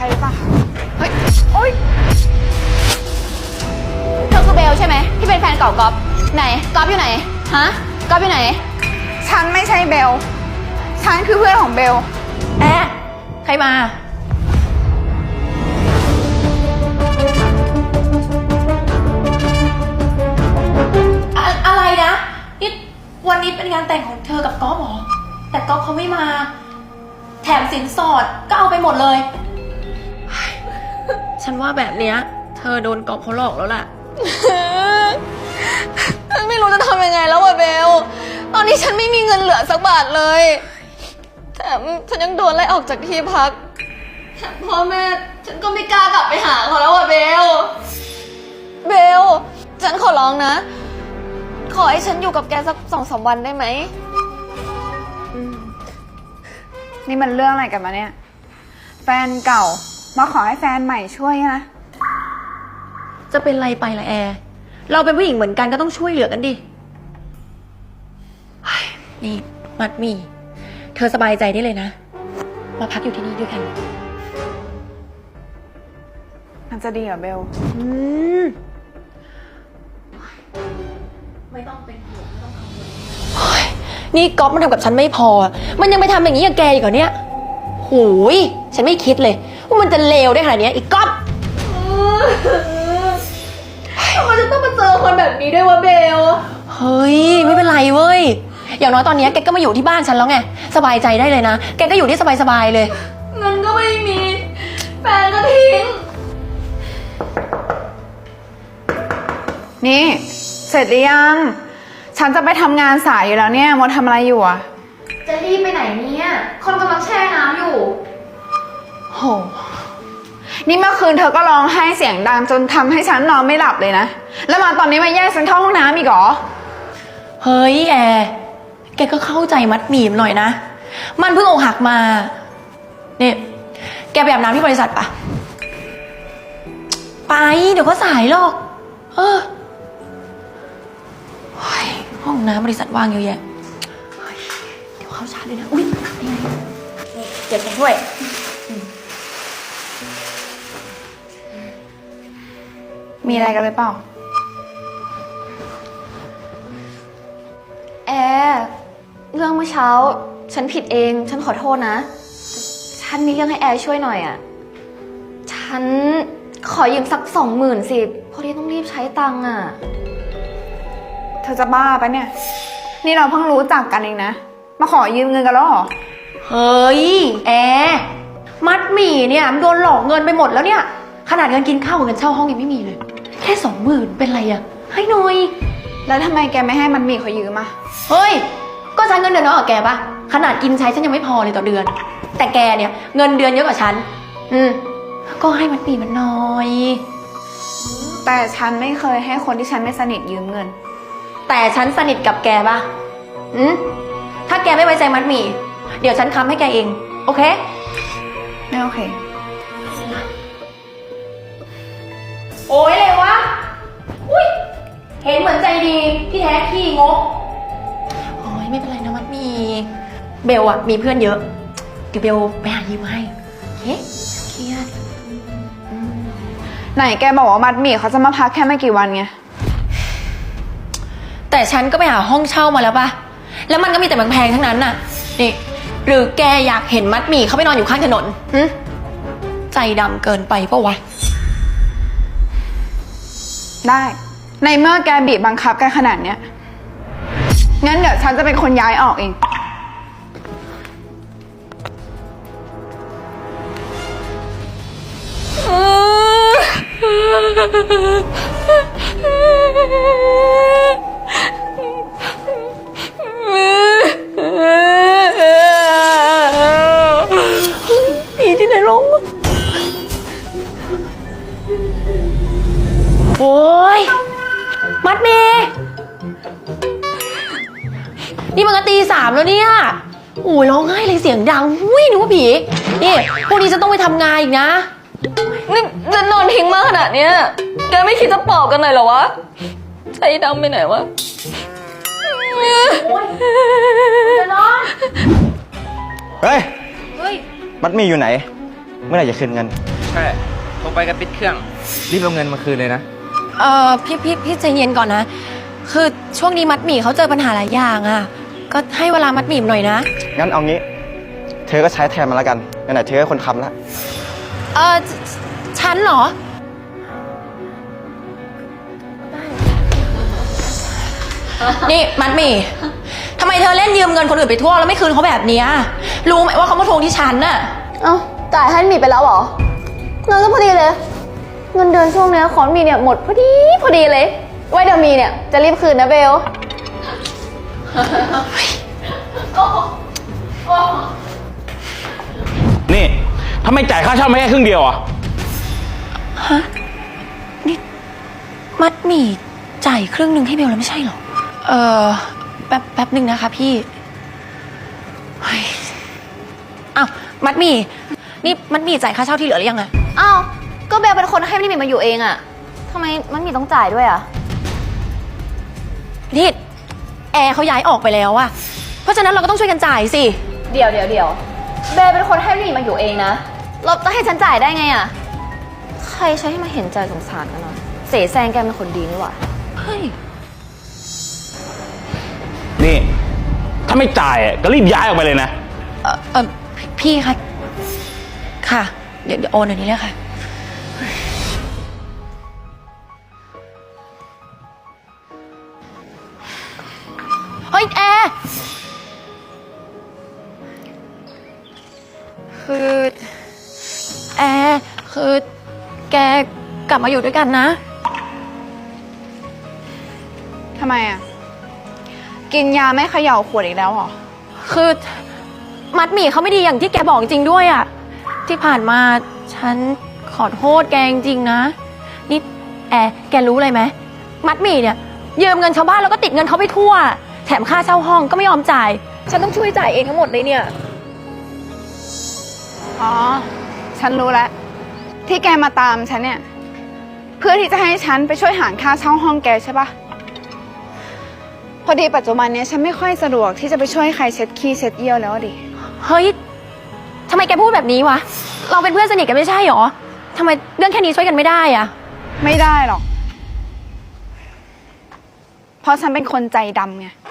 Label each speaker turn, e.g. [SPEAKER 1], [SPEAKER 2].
[SPEAKER 1] หรือเปล่าคะเฮ้ยโอ๊ย
[SPEAKER 2] เธอคือเบลใช่ไหมที่เป็นแฟนเก่าก๊อฟไหนก๊อฟอยู่ไหนฮะก๊อฟอยู่ไหน
[SPEAKER 1] ฉันไม่ใช่เบลฉันคือเพื่อนของเบล
[SPEAKER 2] ใครมาอะไรนะนี่วันนี้เป็นงานแต่งของเธอกับก๊อฟเหรอแต่ก๊อฟเขาไม่มาแถมสินสอดก็เอาไปหมดเลยฉันว่าแบบเนี้ยเธอโดนก๊อฟเขาหลอกแล้วล่ะฉันไม่รู้จะทำยังไงแล้วอะเบลตอนนี้ฉันไม่มีเงินเหลือสักบาทเลยแถมฉันยังโดนไล่ออกจากที่พักพ่อแม่ฉันก็ไม่กล้ากลับไปหาเขาแล้วอะเบลฉันขอร้องนะขอให้ฉันอยู่กับแกสัก2-3 วันได้ไหม
[SPEAKER 1] นี่มันเรื่องอะไรกันมาเนี่ยแฟนเก่ามาขอให้แฟนใหม่ช่วยนะ
[SPEAKER 2] จะเป็นไรไปล่ะแอร์เราเป็นผู้หญิงเหมือนกันก็ต้องช่วยเหลือกันดินี่มัดหมี่เธอสบายใจได้เลยนะมาพักอยู่ที่นี่ด้วยกัน
[SPEAKER 1] มันจะดีเหรอเบล
[SPEAKER 2] ไม่ต้องเป็นห่วงไม่ต้องกังวลนี่ก๊อฟมันทำกับฉันไม่พอมันยังไปทำอย่างนี้กับแกอีกเหรอเนี่ยหูยฉันไม่คิดเลยว่ามันจะเลวได้ขนาดนี้อีกก๊อฟทำไมจะต้องมาเจอคนแบบนี้ด้วยวะเบลเฮ้ยไม่เป็นไรเว้ยอย่างน้อยตอนนี้แกก็มาอยู่ที่บ้านฉันแล้วไงสบายใจได้เลยนะแกก็อยู่ที่สบายๆเลยเงินก็ไม่มีแฟนก็ทิ้ง
[SPEAKER 1] นี่เสร็จหรือยังฉันจะไปทำงานสายอยู่แล้วเนี่ยมดทำอะไรอยู่อะ
[SPEAKER 2] จะรีบไปไหนเนี่ยคนกำลังแช่น้ำอยู่
[SPEAKER 1] โหนี่เมื่อคืนเธอก็ร้องไห้เสียงดังจนทำให้ฉันนอนไม่หลับเลยนะแล้วมาตอนนี้มาแย่งฉันเข้าห้องน้ำอีกเหรอ
[SPEAKER 2] เฮ้ยแอร์แกก็เข้าใจมัดหมี่หน่อยนะมันเพิ่งอกหักมาเนี่ยแกไปอาบน้ำที่บริษัทปะไปเดี๋ยวก็สายหรอกห้องน้ำบริษัทว่างเยอะแยะเดี๋ยวเข้าชาร์จด้วยนะอุ้ยนี่ไงนี่เก็บแกด้วย
[SPEAKER 1] มีอะไรกันหรือเปล่า
[SPEAKER 2] แอร์เรื่องเมื่อเช้าฉันผิดเองฉันขอโทษนะฉันมีเรื่องให้แอร์ช่วยหน่อยอ่ะฉันขอยืมสัก20,000สิพอดีต้องรีบใช้ตังค์อ่ะ
[SPEAKER 1] เธอจะบ้าปะเนี่ยนี่เราเพิ่งรู้จักกันเองนะมาขอยืมเงินกันแล้วเหรอ
[SPEAKER 2] เฮ้ยแอร์มัดหมี่เนี่ยมันโดนหลอกเงินไปหมดแล้วเนี่ยขนาดเงินกินข้าวกับเงินเช่าห้องยังไม่มีเลยแค่20,000เป็นไรอะให้หน่อย
[SPEAKER 1] แล้วทำไมแกไม่ให้มันมีเขายืมอะ
[SPEAKER 2] เฮ้ยก็ฉันเงินเดือนน้อยกว่าแกปะขนาดกินใช้ฉันยังไม่พอเลยต่อเดือนแต่แกเนี่ยเงินเดือนเยอะกว่าฉันก็ให้มันมีมันหน่อย
[SPEAKER 1] แต่ฉันไม่เคยให้คนที่ฉันไม่สนิทยืมเงิน
[SPEAKER 2] แต่ฉันสนิทกับแกปะถ้าแกไม่ไว้ใจมัดหมี่เดี๋ยวฉันค้ำให้แกเองโอเค
[SPEAKER 1] ไม่โอเค
[SPEAKER 2] โอ้ยเลยวะอุ้ยเห็นเหมือนใจดีที่แท้ขี้งกโอ้ยไม่เป็นไรนะมัดหมี่เบลอะมีเพื่อนเยอะเดี๋ยวเบลไปหายืมให้เครียด
[SPEAKER 1] ไหนแกบอกว่ามัดหมี่เขาจะมาพักแค่ไม่กี่วันไง
[SPEAKER 2] แต่ฉันก็ไปหาห้องเช่ามาแล้วปะแล้วมันก็มีแต่แพงๆทั้งนั้นน่ะนี่หรือแกอยากเห็นมัดหมี่เขาไปนอนอยู่ข้างถนนใจดำเกินไปปะวะ
[SPEAKER 1] ได้ในเมื่อแกบีบบังคับกันขนาดเนี้ยงั้นเดี๋ยวฉันจะเป็นคนย้ายออกเอง
[SPEAKER 2] ผีที่ไหนลงโอ้ยมัดเมย์นี่มันก็ตี 3แล้วเนี่ยโอ้ยร้องไห้เลยเสียงดังหุ้ยนึกว่าผีนี่พวกนี้จะต้องไปทำงานอีกนะนี่จะนอนทิ้งมากขนาดเนี้ยแกไม่คิดจะปลอบกันหน่อยเหรอวะใจดำไปไหนวะจะนอน
[SPEAKER 3] เฮ้ยมัดหมี่อยู่ไหนเมื่อไหร่จะคืนเงิน
[SPEAKER 4] ใช่โทรไปก็ปิดเครื่อง รีบเอาเงินมาคืนเลยนะ
[SPEAKER 2] พี่ใจเย็นก่อนนะ คือช่วงนี้มัดหมี่เขาเจอปัญหาหลายอย่างอ่ะ ก็ให้เวลามัดหมี่หน่อยนะ
[SPEAKER 3] งั้นเอางี้ เธอก็ใช้แทนมาแล้วกันไหนๆเธอก็คนค้ำแล้ว
[SPEAKER 2] ฉันเหรอ นี่มัดหมี่ทำไมเธอเล่นยืมเงินคนอื่นไปทั่วแล้วไม่คืนเขาแบบเนี้ยรู้ไหมว่าเขามาทวงที่ฉันน่ะ
[SPEAKER 1] เอ้าจ่ายให้หมีไปแล้วเหรอเงินก็พอดีเลย เงินเดือนช่วงเนี้ยของหมีเนี่ยหมดพอดีเลย ไว้เดี๋ยวมีเนี่ยจะรีบคืนนะเบล
[SPEAKER 5] นี่ทำไมจ่ายค่าเช่าไม่แค่ครึ่งเดียวอ่ะ
[SPEAKER 2] มัดหมี่จ่ายครึ่งหนึ่งให้เบลแล้วไม่ใช่เหรอ แป๊บหนึ่งนะคะพี่เฮ้ยอ้าวมัดหมี่นี่มัดหมี่จ่ายค่าเช่าที่เหลือหรือยังอะ
[SPEAKER 1] อ้าวก็เบลเป็นคนให้หมีมาอยู่เองอะทำไมมันมีต้องจ่ายด้วยอะ
[SPEAKER 2] นี่แอร์เขาย้ายออกไปแล้วอะเพราะฉะนั้นเราก็ต้องช่วยกันจ่ายสิ
[SPEAKER 1] เดี๋ยวเบลเป็นคนให้หมีมาอยู่เองนะเราจะให้ฉันจ่ายได้ไงอะใครใช้ให้มาเห็นใจสงสารกันหน่อยเสแสร้งแกเป็นคนดีนี่หว่า
[SPEAKER 2] เฮ้ย
[SPEAKER 5] นี่ถ้าไม่จ่ายก็รีบย้ายออกไปเลยนะ
[SPEAKER 2] พี่คะค่ะ เดี๋ยวโอนเดี๋ยวนี้เลยค่ะ เฮ้ยแอร์คือแกกลับมาอยู่ด้วยกันนะ
[SPEAKER 1] ทำไมอะกินยาไม่เขย่าขวดอีกแล้วเหรอ
[SPEAKER 2] คือมัดหมี่เขาไม่ดีอย่างที่แกบอกจริงด้วยอะที่ผ่านมาฉันขอโทษแกจริงๆนะนี่แกรู้อะไรไหมมัดหมี่เนี่ยยืมเงินชาวบ้านแล้วก็ติดเงินเขาไปทั่วแถมค่าเช่าห้องก็ไม่ยอมจ่ายฉันต้องช่วยจ่ายเองทั้งหมดเลยเนี่ย
[SPEAKER 1] อ๋อ ฉันรู้แล้ว ที่แกมาตามฉันเนี่ย เพื่อที่จะให้ฉันไปช่วยหารค่าเช่าห้องแกใช่ปะพอดีปัจจุบันเนี้ยฉันไม่ค่อยสะดวกที่จะไปช่วยใครเช็ดขี้เช็ดเยี่ยวแล้วอะดิ
[SPEAKER 2] เฮ้ยทำไมแกพูดแบบนี้วะเราเป็นเพื่อนสนิทกันไม่ใช่หรอทำไมเรื่องแค่นี้ช่วยกันไม่ได้อะ
[SPEAKER 1] ไม่ได้หรอก เพราะฉันเป็นคนใจดำไง